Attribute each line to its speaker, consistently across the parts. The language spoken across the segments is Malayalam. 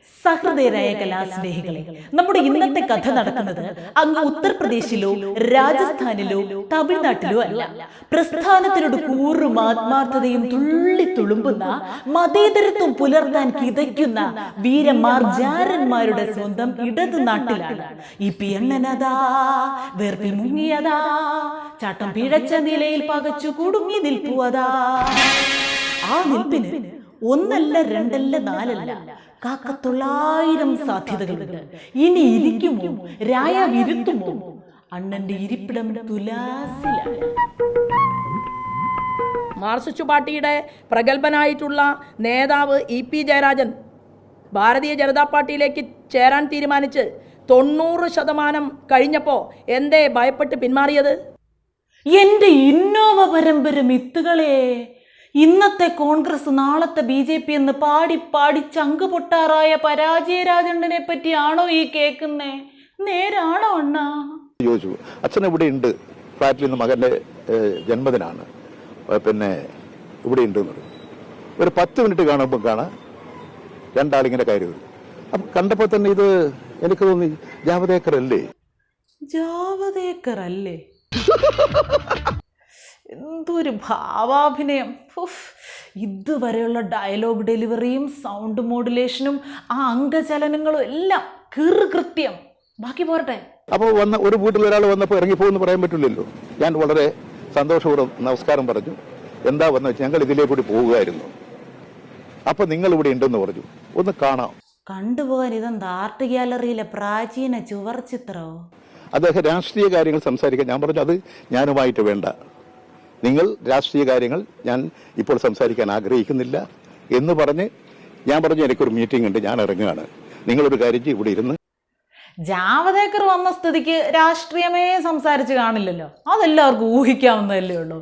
Speaker 1: സഹൃദയരായ കലാസ്നേഹികളെ, നമ്മുടെ ഇന്നത്തെ കഥ നടക്കുന്നത് അങ്ങ് ഉത്തർപ്രദേശിലോ രാജസ്ഥാനിലോ തമിഴ്നാട്ടിലോ അല്ല. പ്രസ്ഥാനത്തിനോട് കൂറും ആത്മാർത്ഥതയും തുള്ളി തുളുമ്പുന്ന മതേതരത്വം പുലർത്താൻ കിതയ്ക്കുന്ന വീരമാർജാരന്മാരുടെ സ്വന്തം ഇടതു നാട്ടിലാണ്. ഈ പിയണ്ണനതാ വേർപ്പിൽ മുങ്ങിയതാ, ചാട്ടം പിഴച്ച നിലയിൽ പകച്ചു കുടുങ്ങി നിൽപ്പുവതാ. ആ നിൽപ്പിന് ഒന്നല്ല രണ്ടല്ല നാലല്ല കാക്കത്തൊള്ളായിരം സാധ്യതകളുണ്ട്. ഇനി ഇരിക്കുമോ രായാവിരുത്തുമോ? അണ്ണന്റെ ഇരിപ്പിടം തുലാസിലാണ്.
Speaker 2: മാർക്സിസ്റ്റ് പാർട്ടിയുടെ പ്രഗത്ഭനായിട്ടുള്ള നേതാവ് ഇ.പി. ജയരാജൻ ഭാരതീയ ജനതാ പാർട്ടിയിലേക്ക് ചേരാൻ തീരുമാനിച്ച് 90% കഴിഞ്ഞപ്പോൾ എന്തേ ഭയപ്പെട്ട് പിന്മാറിയത്?
Speaker 1: എന്റെ ഇന്നോവ പരമ്പര മിത്തുകളെ, ഇന്നത്തെ കോൺഗ്രസ് നാളത്തെ BJP എന്ന് പാടി പാടി ചങ്ക് പൊട്ടാറായ പരാജയരാജണ്ണനെ പറ്റിയാണോ ഈ കേൾക്കുന്നേ? നേരാണോ അണ്ണാ?
Speaker 3: ചോദിച്ചു, അച്ഛൻ ഇവിടെ ഉണ്ട്, ഫ്ലാറ്റിൽ നിന്ന് മകന്റെ ജന്മദിനാണ്, പിന്നെ ഇവിടെ ഉണ്ട്. ഒരു 10 മിനിറ്റ് കാണുമ്പോൾ കാണാം രണ്ടാളിങ്ങനെ കയറി വരും. അപ്പൊ കണ്ടപ്പോ തന്നെ ഇത് എനിക്ക് തോന്നി, ജാവദേക്കർ അല്ലേ?
Speaker 1: ജാവദേക്കർ അല്ലേ? എന്തൊരു ഭാവാഭിനയം! ഇതുവരെയുള്ള ഡയലോഗ് ഡെലിവറിയും സൗണ്ട് മോഡുലേഷനും ആ അംഗചലനങ്ങളും എല്ലാം കൃത്യം. ബാക്കി പോരട്ടെ.
Speaker 3: അപ്പോൾ ഒരു വീട്ടിൽ ഒരാൾ വന്നപ്പോൾ ഇറങ്ങിപ്പോന്ന് പറയാൻ പറ്റില്ലല്ലോ. ഞാൻ വളരെ സന്തോഷപൂർവ്വം നമസ്കാരം പറഞ്ഞു. എന്താ വന്നു വെച്ചാൽ ഞങ്ങൾ ഇതിലേ കൂടി പോവുകയായിരുന്നു, അപ്പൊ നിങ്ങൾ ഇവിടെ ഉണ്ടെന്ന് പറഞ്ഞു, ഒന്ന് കാണാം.
Speaker 1: കണ്ടുപോകാൻ ഇതെന്താ ആർട്ട് ഗ്യാലറിയിലെ പ്രാചീന ചുവർ ചിത്രോ?
Speaker 3: അദ്ദേഹം രാഷ്ട്രീയ കാര്യങ്ങൾ സംസാരിക്കാൻ ഞാൻ പറഞ്ഞു, അത് ഞാനുമായിട്ട് വേണ്ട, നിങ്ങൾ രാഷ്ട്രീയ കാര്യങ്ങൾ ഞാൻ ഇപ്പോൾ സംസാരിക്കാൻ ആഗ്രഹിക്കുന്നില്ല എന്ന് പറഞ്ഞ് ഞാൻ പറഞ്ഞു, എനിക്കൊരു മീറ്റിംഗ് ഉണ്ട്, ഞാൻ ഇറങ്ങുകയാണ്, നിങ്ങളൊരു കാര്യം ഇവിടെ ഇരുന്ന്.
Speaker 1: ജാവദേക്കർ വന്ന സ്ഥിതിക്ക് രാഷ്ട്രീയമേ സംസാരിച്ച് കാണില്ലല്ലോ, അതെല്ലാവർക്കും ഊഹിക്കാവുന്നതല്ലേ ഉള്ളൂ.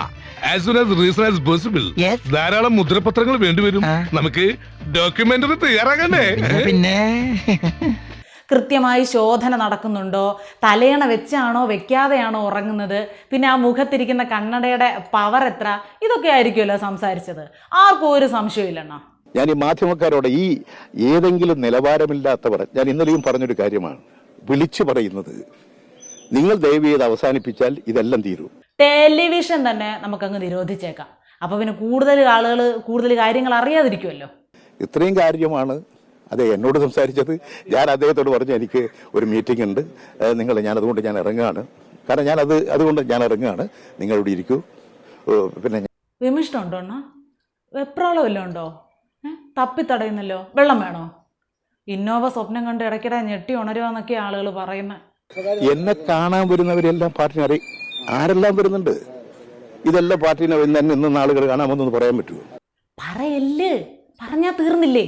Speaker 4: ധാരാളം മുദ്രപത്രങ്ങൾ വേണ്ടിവരും, നമുക്ക് ഡോക്യുമെന്ററി തയ്യാറാകണ്ടേ?
Speaker 2: പിന്നെ
Speaker 1: കൃത്യമായി ശോധന നടക്കുന്നുണ്ടോ, തലയണ വെച്ചാണോ വെക്കാതെയാണോ ഉറങ്ങുന്നത്, പിന്നെ ആ മുഖത്തിരിക്കുന്ന കണ്ണടയുടെ പവർ എത്ര, ഇതൊക്കെ ആയിരിക്കുമല്ലോ സംസാരിച്ചത്. ആർക്കും ഒരു സംശയമില്ലെണ്ണ.
Speaker 3: ഞാൻ ഈ മാധ്യമക്കാരോട്, ഈ ഏതെങ്കിലും നിലവാരമില്ലാത്തവർ, ഞാൻ ഇന്നലെയും പറഞ്ഞൊരു കാര്യമാണ് വിളിച്ചു പറയുന്നത്, നിങ്ങൾ ദയവ് ചെയ്ത് അവസാനിപ്പിച്ചാൽ ഇതെല്ലാം തീരും.
Speaker 1: ടെലിവിഷൻ തന്നെ നമുക്കങ്ങ് നിരോധിച്ചേക്കാം. അപ്പൊ പിന്നെ കൂടുതൽ കാര്യങ്ങൾ അറിയാതിരിക്കുമല്ലോ.
Speaker 3: ഇത്രയും കാര്യമാണ് അതെ എന്നോട് സംസാരിച്ചത്. ഞാൻ അദ്ദേഹത്തോട് പറഞ്ഞു, എനിക്ക് ഒരു മീറ്റിംഗ് ഉണ്ട്, അതുകൊണ്ട് ഞാൻ ഇറങ്ങുകയാണ്, കാരണം അതുകൊണ്ട് ഞാൻ ഇറങ്ങുകയാണ്, നിങ്ങളിവിടെ ഇരിക്കൂ. പിന്നെ
Speaker 1: വിമിഷ്ടമുണ്ടോ അണ്ണാ? വെപ്രാളം വല്ലതും ഉണ്ടോ? തപ്പിത്തടയുന്നല്ലോ. വെള്ളം വേണോ? ഇന്നോവ സ്വപ്നം കണ്ട് ഇടയ്ക്കിടെ ഞെട്ടി ഉണരുവാന്നൊക്കെ ആളുകൾ പറയുന്നത്.
Speaker 3: എന്നെ കാണാൻ വരുന്നവരെല്ലാം പാർട്ടിനെ ആരെല്ലാം വരുന്നുണ്ട്, ഇതെല്ലാം പാർട്ടിനെ ഇന്ന ആളുകൾ കാണാമെന്നൊന്ന് പറയാൻ പറ്റുമോ?
Speaker 1: പറയല്ലേ, പറഞ്ഞാ തീർന്നില്ലേ?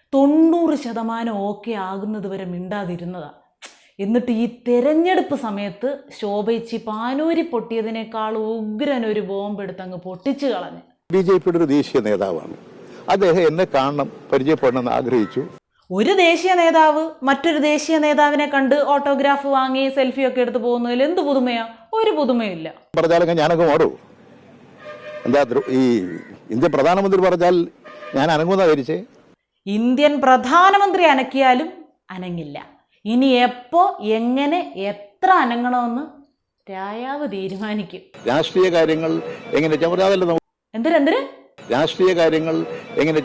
Speaker 1: 90% ഓക്കെ ആകുന്നത് വരെ മിണ്ടാതിരുന്നതാ. എന്നിട്ട് ഈ തെരഞ്ഞെടുപ്പ് സമയത്ത് ശോഭയിച്ച് പാനൂരി പൊട്ടിയതിനേക്കാൾ ഉഗ്രനൊരു ബോംബെടുത്ത് അങ്ങ് പൊട്ടിച്ചു കളഞ്ഞ്.
Speaker 3: BJPയുടെ ഒരു ദേശീയ നേതാവാണ് അദ്ദേഹം, എന്നെ കാണണം, പരിചയപ്പെടണമെന്ന് ആഗ്രഹിച്ചു.
Speaker 1: ഒരു ദേശീയ നേതാവ് മറ്റൊരു ദേശീയ നേതാവിനെ കണ്ട് ഓട്ടോഗ്രാഫ് വാങ്ങി സെൽഫി ഒക്കെ എടുത്ത് പോകുന്നതിൽ എന്ത് പുതുമയാ? ഒരു പുതുമയില്ല.
Speaker 3: പറഞ്ഞാലൊക്കെ ഞാനൊക്കെ ഓടൂ. എന്താ ഈ ഇന്ത്യൻ പ്രധാനമന്ത്രി പറഞ്ഞാൽ ഞാൻ അനങ്ങുന്ന ധരിച്ചേ?
Speaker 1: ഇന്ത്യൻ പ്രധാനമന്ത്രി അനക്കിയാലും അനങ്ങില്ല. ഇനി എപ്പോ എങ്ങനെ എത്ര അനങ്ങണമെന്ന് രായാവ് തീരുമാനിക്കും.
Speaker 3: രാഷ്ട്രീയ കാര്യങ്ങൾ എങ്ങനെ
Speaker 1: എന്തിന്
Speaker 3: രാഷ്ട്രീയ കാര്യങ്ങൾ എങ്ങനെ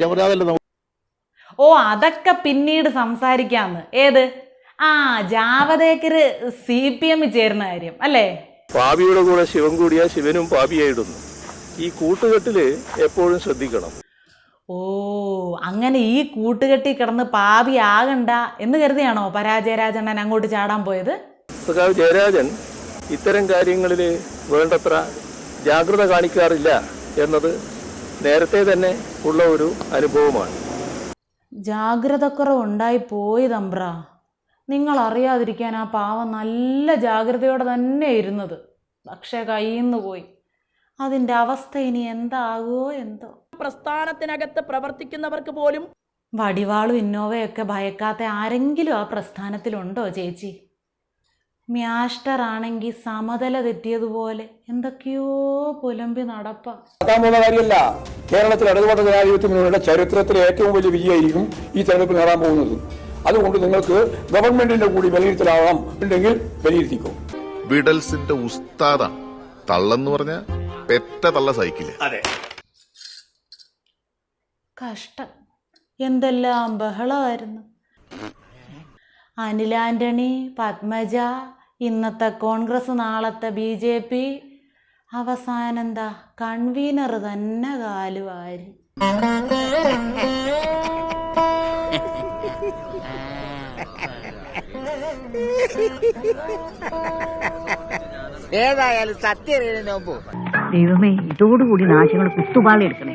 Speaker 1: ഓ, അതൊക്കെ പിന്നീട് സംസാരിക്കാന്ന്. ഏത് ജാവദേക്കര് CPM ചേരുന്ന കാര്യം അല്ലേ?
Speaker 5: പാപിയുടെ കൂടെ ശിവൻ കൂടിയാ ശിവനും പാപിയായിടുന്നു. ഈ കൂട്ടുകെട്ടില് എപ്പോഴും ശ്രദ്ധിക്കണം.
Speaker 1: ഓ, അങ്ങനെ ഈ കൂട്ടുകെട്ടി കിടന്ന് പാപിയാകണ്ട എന്ന് കരുതിയാണോ പരാജയരാജണ്ണൻ അങ്ങോട്ട് ചാടാൻ പോയത്?
Speaker 5: സഖാവ് ജയരാജൻ ഇത്തരം കാര്യങ്ങളിൽ വേണ്ടത്ര ജാഗ്രത കാണിക്കാറില്ല എന്നത് നേരത്തെ തന്നെ ഉള്ള ഒരു അനുഭവമാണ്.
Speaker 1: ജാഗ്രതക്കുറവ് ഉണ്ടായി പോയി തമ്പ്ര. നിങ്ങൾ അറിയാതിരിക്കാൻ ആ പാവം നല്ല ജാഗ്രതയോടെ തന്നെ ഇരുന്നത്, പക്ഷെ കയ്യിൽ നിന്ന് പോയി. അതിൻ്റെ അവസ്ഥ ഇനി എന്താകുമോ എന്തോ.
Speaker 2: പ്രസ്ഥാനത്തിനകത്ത് പ്രവർത്തിക്കുന്നവർക്ക് പോലും
Speaker 1: വടിവാളും ഇന്നോവയൊക്കെ ഭയക്കാത്ത ആരെങ്കിലും ആ പ്രസ്ഥാനത്തിലുണ്ടോ ചേച്ചി? മ്യാസ്റ്റർ ആണെങ്കിൽ സമതല തെറ്റിയതുപോലെ എന്തൊക്കെയോ പുലമ്പി നടപ്പാ.
Speaker 6: നടക്കാൻ പോകുന്ന കാര്യമല്ല. കേരളത്തിൽ ഇടതുപക്ഷ ജനാധിപത്യ മുന്നണിയുടെ ചരിത്രത്തിലെ ഏറ്റവും വലിയ വിജയമായിരിക്കും ഈ തെരഞ്ഞെടുപ്പിൽ നേടാൻ പോകുന്നത്. അതുകൊണ്ട് നിങ്ങൾക്ക് ഗവൺമെന്റിന്റെ കൂടി വിലയിരുത്തലാവാം, ഉണ്ടെങ്കിൽ വിലയിരുത്തിക്കോ.
Speaker 7: വിഡൽസിന്റെ ഉസ്താദാണ് തള്ളെന്ന് പറഞ്ഞ പെറ്റ തള്ള സൈക്കിള്.
Speaker 1: കഷ്ടം, എന്തെല്ലാം ബഹളമായിരുന്നു. അനിൽ ആന്റണി, പത്മജ, ഇന്നത്തെ കോൺഗ്രസ്, നാളത്തെ BJP, അവസാനം എന്താ കൺവീനർ തന്നെ കാലുവാരി.
Speaker 8: ഏതായാലും സത്യം
Speaker 9: ദൈവമേ, ഇതോടുകൂടി നാശങ്ങൾ കുത്തുപാളി എടുക്കണേ.